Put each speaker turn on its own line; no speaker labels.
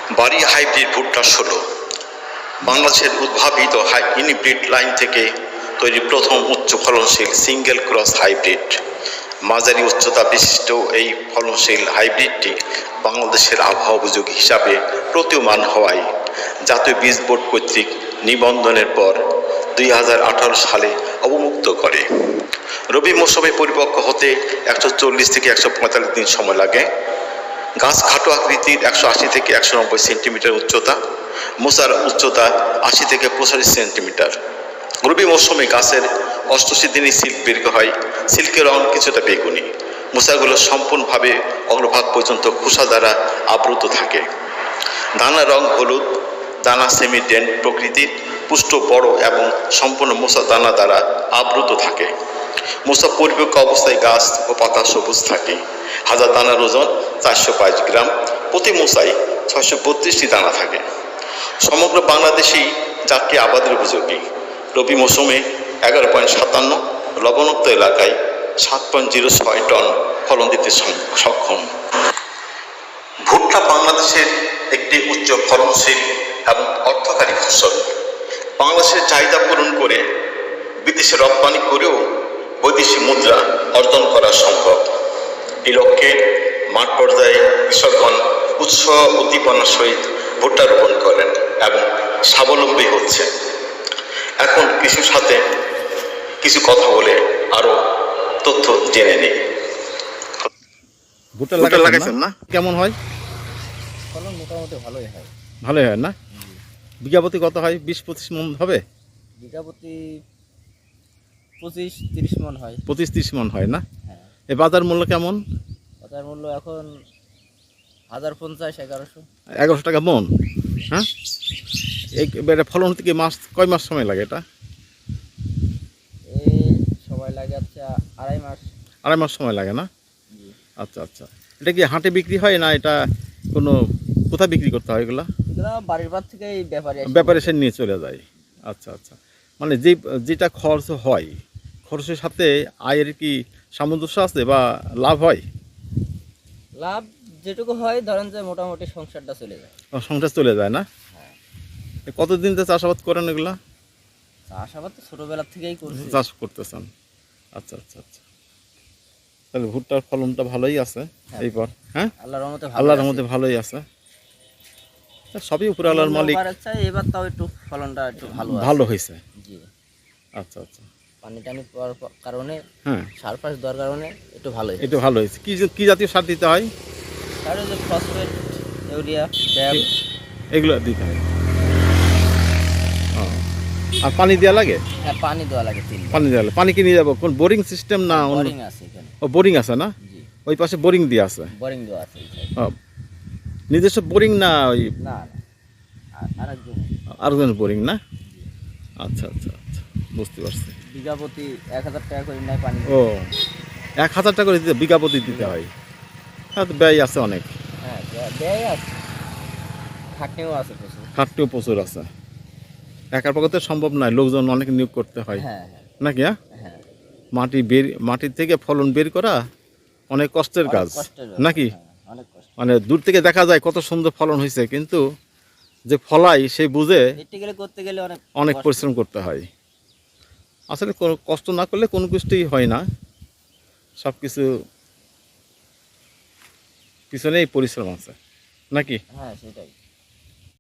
বাড়ি হাইব্রিড ভুট্টা 16 বাংলাদেশের উদ্ভাবিত ইনব্রিড লাইন থেকে তৈরি প্রথম উচ্চ ফলনশীল সিঙ্গেল ক্রস হাইব্রিড। মাঝারি উচ্চতা বিশিষ্ট এই ফলনশীল হাইব্রিডটি বাংলাদেশের আবহাওয়া উপযোগী হিসাবে প্রতীয়মান হওয়ায় জাতীয় বীজ বোর্ড কর্তৃক নিবন্ধনের পর 2018 সালে অবমুক্ত করে। রবি মৌসুমে পরিপক্ক হতে 140 থেকে 145 দিন সময় লাগে। গাছ খাটো আকৃতির, 180 থেকে 190 সেন্টিমিটার উচ্চতা। মোচার উচ্চতা 80 থেকে 85 সেন্টিমিটার। রবি মৌসুমে গাছের 88 দিনে সিল্ক বের হয়। সিল্কের রং কিছুটা বেগুনি। মোচাগুলো সম্পূর্ণভাবে অগ্রভাগ পর্যন্ত খোসা দ্বারা আবৃত থাকে। দানার রং হলুদ, দানা সেমি ডেন্ট প্রকৃতির, পুষ্ট বড় এবং সম্পূর্ণ মোচা দানা দ্বারা আবৃত থাকে। মোচা পরিপক্ক অবস্থায় গাছ ও পাতা সবুজ থাকে। হাজার দানার ওজন 422 গ্রাম। প্রতি মোচায় 632টি দানা থাকে। সমগ্র বাংলাদেশেই জাতটি আবাদের উপযোগী। রবি মৌসুমে 11.57, লবণাক্ত এলাকায় 7.06 টন ফলন দিতে সক্ষম। ভুট্টা বাংলাদেশের একটি উচ্চ ফলনশীল এবং অর্থকারী ফসল। বাংলাদেশের চাহিদা পূরণ করে বিদেশে রপ্তানি করেও বৈদেশিক মুদ্রা অর্জন করা সম্ভব। এই লক্ষ্যে মাঠ পর্যায়ে কৃষকগণ উৎসাহ উদ্দীপনার সহিত ভুট্টা রোপণ করেন এবং স্বাবলম্বী হচ্ছে। এখন কৃষির সাথে কিছু কথা বলে আরো তথ্য জেনে নিই।
ভুট্টা লাগাইছেন না? কেমন হয়?
ফলন মোটামুটি ভালোই হয়।
ভালোই হয় না? বিঘা প্রতি কত হয়? 20-25 মন হবে?
বিঘা প্রতি 25-30 মন হয়।
25-30 মন হয় না?
হ্যাঁ।
এই বাজার মূল্য কেমন?
বাজার মূল্য এখন 1050-1100।
1100 টাকা মন। হ্যাঁ, এটা ফলন থেকে কয় মাস সময় লাগে? এটা
এই সময় লাগে হচ্ছে 2.5 মাস।
2.5 মাস সময় লাগে না? আচ্ছা আচ্ছা। এটা কি হাটে বিক্রি হয় না এটা কোনো কোথায় বিক্রি করতে হয় এগুলা?
এগুলো বাড়ির পার থেকে
ব্যাপারে এসে নিয়ে চলে যায়। আচ্ছা আচ্ছা। মানে যেটা খরচ হয়, খরচের সাথে আয়ের কি সামঞ্জস্য আছে বা লাভ হয়?
লাভ যেটুকু হয় ধরেন যে মোটামুটি সংসারটা চলে যায়।
সংসার চলে যায় না?
হ্যাঁ।
কতদিন তো চাষাবাদ করেন এগুলা?
চাষাবাদ তো ছোটবেলা থেকেই করছি।
চাষ করতেছেন। আচ্ছা আচ্ছা আচ্ছা। তাহলে ভুট্টার ফলনটা ভালোই আছে এইবার। হ্যাঁ, আল্লাহর রহমতে ভালোই আছে। সবই উপরে আল্লাহর মালিক।
এবার তাও একটু ফলনটা একটু
ভালো হয়েছে।
জি।
আচ্ছা আচ্ছা।
পানি টানি পাওয়ার কারণে,
হ্যাঁ,
সার ফাস দেওয়ার কারণে একটু ভালো হয়েছে।
একটু ভালো হয়েছে। কি জাতীয় সার দিতে হয়?
সার হচ্ছে ফসফেট, ইউরিয়া, ড্যাপ,
এগুলো দিতে হয়। আর পানি দেওয়া লাগে?
হ্যাঁ, পানি দেওয়া লাগে।
পানি দেওয়া লাগে। পানি কি নিয়ে যাবো? কোন বোরিং সিস্টেম না?
বোরিং আছে এখানে।
ও, বোরিং আছে না?
জি।
ওই পাশে বোরিং দিয়ে আছে?
বোরিং দেওয়া আছে।
নিজস্ব বোরিং না? ওই
না,
আরেকজনের বোরিং না? আচ্ছা আচ্ছা আচ্ছা, বুঝতে পারছি।
বিঘা প্রতি 1000 টাকা করে নেয় পানি।
ও, 1000 টাকা করে দিতে বিঘা প্রতি দিতে হয়? হ্যাঁ, তো ব্যয় আছে অনেক।
হ্যাঁ, ব্যয় আছে, খাটনিও আছে প্রচুর।
খাটনিও প্রচুর আছে। একার পক্ষে তো সম্ভব নয়, লোকজন অনেক নিয়োগ করতে হয়।
হ্যাঁ
নাকি?
হ্যাঁ,
মাটির থেকে ফলন বের করা অনেক কষ্টের কাজ নাকি?
অনেক কষ্ট।
মানে দূর থেকে দেখা যায় কত সুন্দর ফলন হয়েছে, কিন্তু যে ফলাই সে বুঝে
করতে গেলে
অনেক পরিশ্রম করতে হয়। আসলে কোনো কষ্ট না করলে কোনো কিছুই হয় না। সব কিছু পিছনেই পরিশ্রম আছে নাকি?
হ্যাঁ, সেটাই।